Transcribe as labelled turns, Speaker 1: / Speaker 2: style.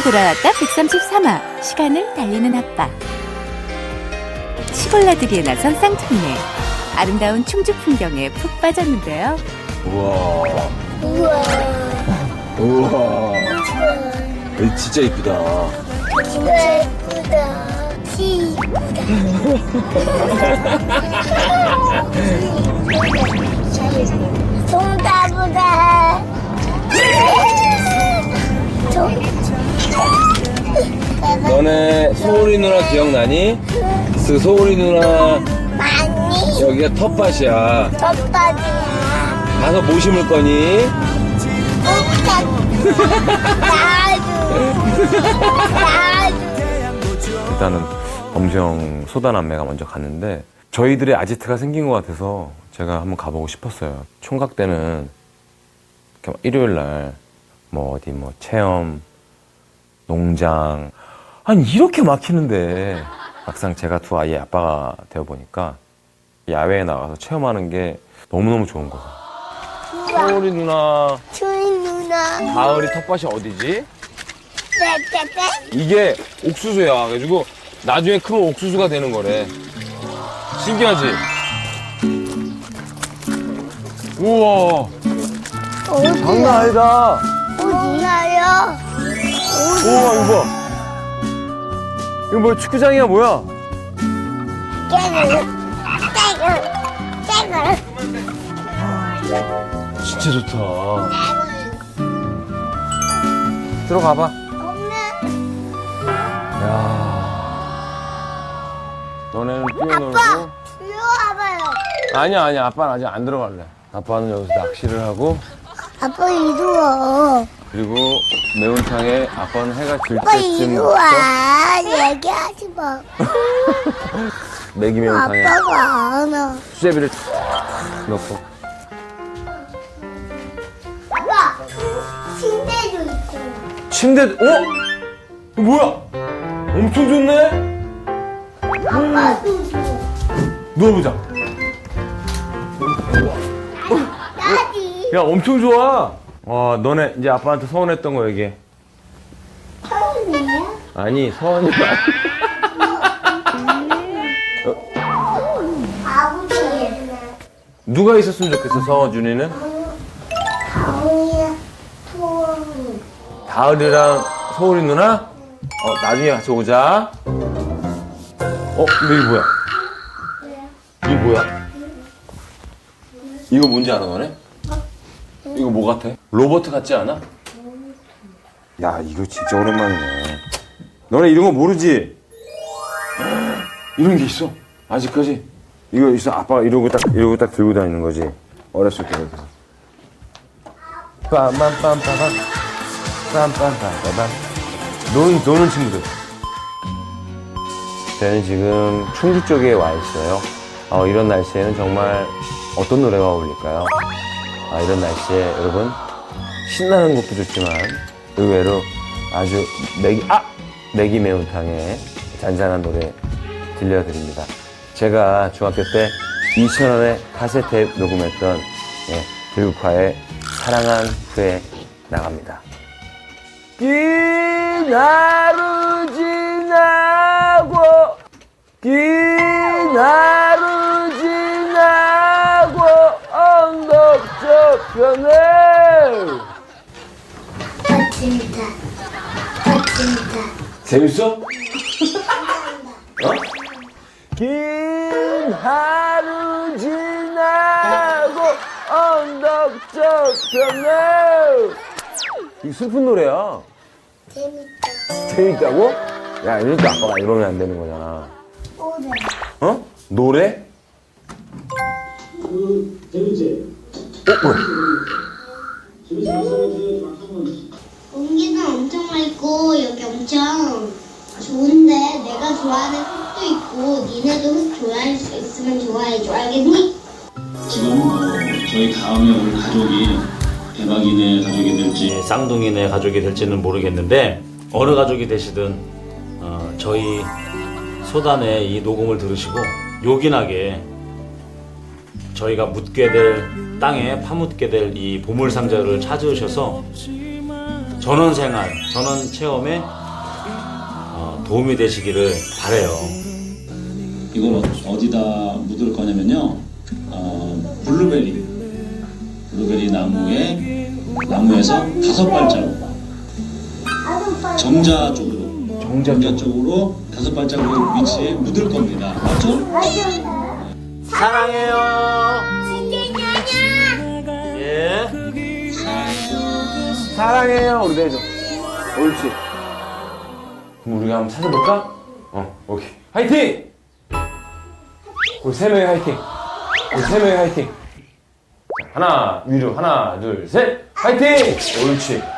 Speaker 1: 돌아왔다 133화. 시간을 달리는 아빠. 시골 나들이에 나선 쌍둥이네. 아름다운 충주 풍경에 푹 빠졌는데요.
Speaker 2: 우와.
Speaker 3: 우와.
Speaker 2: 우와. 여기 진짜 이쁘다.
Speaker 3: 진짜 예쁘다. 송다보다.
Speaker 2: 너네 소울이 누나 기억나니? 그 소울이 누나
Speaker 3: 많이
Speaker 2: 여기가 텃밭이야.
Speaker 3: 덮밥이야.
Speaker 2: 가서 뭐 심을 거니? 일단은 범수형 소다남매가 먼저 갔는데 저희들의 아지트가 생긴 것 같아서 제가 한번 가보고 싶었어요. 총각 때는 이렇게 일요일 날 뭐 어디 뭐 체험, 농장 아니 이렇게 막히는데 막상 제가 두 아이의 아빠가 되어 보니까 야외에 나가서 체험하는 게 너무너무 좋은 거예요. 소울이 누나,
Speaker 3: 주인 누나.
Speaker 2: 가을이 텃밭이 어디지?
Speaker 3: 빼빼빼.
Speaker 2: 이게 옥수수야. 그래가지고 나중에 크면 옥수수가 되는 거래. 신기하지? 우와, 장난 아니다.
Speaker 3: 어디나요?
Speaker 2: 우와, 이거 봐. 이거 뭐야, 축구장이야, 뭐야?
Speaker 3: 깨글.
Speaker 2: 진짜 좋다. 들어가봐.
Speaker 3: 엄마.
Speaker 2: 야, 너네는 뛰어놀고.
Speaker 3: 이리 와봐요.
Speaker 2: 아니야. 아빠는 아직 안 들어갈래. 아빠는 여기서 낚시를 하고,
Speaker 3: 아빠 이리 와.
Speaker 2: 그리고 매운탕에 아빠는 해가 질
Speaker 3: 아빠
Speaker 2: 때쯤
Speaker 3: 이리
Speaker 2: 먹자.
Speaker 3: 와. 얘기하지 마.
Speaker 2: 매기 매운탕에
Speaker 3: 아빠가 안 와.
Speaker 2: 수제비를 탁 넣고.
Speaker 3: 아빠, 침대도 있고.
Speaker 2: 침대, 이거 뭐야? 엄청 좋네?
Speaker 3: 아빠도 줘.
Speaker 2: 누워보자.
Speaker 3: 나지.
Speaker 2: 야, 엄청 좋아. 와, 너네 이제 아빠한테 서운했던 거 얘기해.
Speaker 3: 처음이에요?
Speaker 2: 아니, 서운이
Speaker 3: 아버지예요.
Speaker 2: 누가 있었으면 좋겠어, 서준이는?
Speaker 3: 가훈이야, 소원이.
Speaker 2: 다을이랑 서울이 누나? 나중에 같이 오자. 근데 이게 뭐야? 이게 뭐야? 이거 뭔지 알아, 너네? 이거 뭐 같아? 로버트 같지 않아? 야, 이거 진짜 오랜만이네. 너네 이런 거 모르지? 이런 게 있어. 아직까지. 이거 있어. 아빠가 이러고 딱 들고 다니는 거지. 어렸을 때 이렇게. 빰빰빰빰빰. 빰빰빰빰빰. 노는 친구들. 저는 지금 충주 쪽에 와 있어요. 이런 날씨에는 정말 어떤 노래가 어울릴까요? 이런 날씨에 여러분 신나는 것도 좋지만 의외로 아주 매기 매운탕에 잔잔한 노래 들려드립니다. 제가 중학교 때 2,000원에 카세트 녹음했던 들국화의 사랑한 후에 나갑니다. 긴 하루 지나고 긴 하루 지나고 언덕 저편에
Speaker 3: 멋진다.
Speaker 2: 재밌어? 긴 하루 지나고 언덕 저편에 이 슬픈 노래야.
Speaker 3: 재밌다.
Speaker 2: 재밌다고? 야, 이러니까 아빠가 이러면 안 되는 거잖아.
Speaker 3: 오래.
Speaker 2: 노래?
Speaker 4: 재밌지?
Speaker 2: 뭐야?
Speaker 5: 공기는 엄청 맑고 여기 엄청 좋은데 내가 좋아하는 흙도 있고 니네도 흙 좋아할 수 있으면 좋아해줘. 알겠니?
Speaker 4: 지금 저희 다음에 올 가족이 대박이네 가족이 될지
Speaker 6: 쌍둥이네 가족이 될지는 모르겠는데 어느 가족이 되시든 저희 소단의 이 녹음을 들으시고 요긴하게 저희가 묻게 될 땅에 파묻게 될 이 보물 상자를 찾으셔서 전원 생활, 전원 체험에 도움이 되시기를 바래요.
Speaker 4: 이걸 어디다 묻을 거냐면요. 블루베리 나무에서 5발자국 정자 쪽으로 5발자국 위치에 묻을 겁니다. 맞죠?
Speaker 6: 사랑해요. 예.
Speaker 2: 사랑해요. 우리도 해줘. 옳지. 그럼 우리가 한번 찾아볼까? 오케이. 화이팅! 우리 3명이 화이팅. 우리 3명이 화이팅. 자, 하나, 위로, 하나, 둘, 셋. 화이팅! 옳지.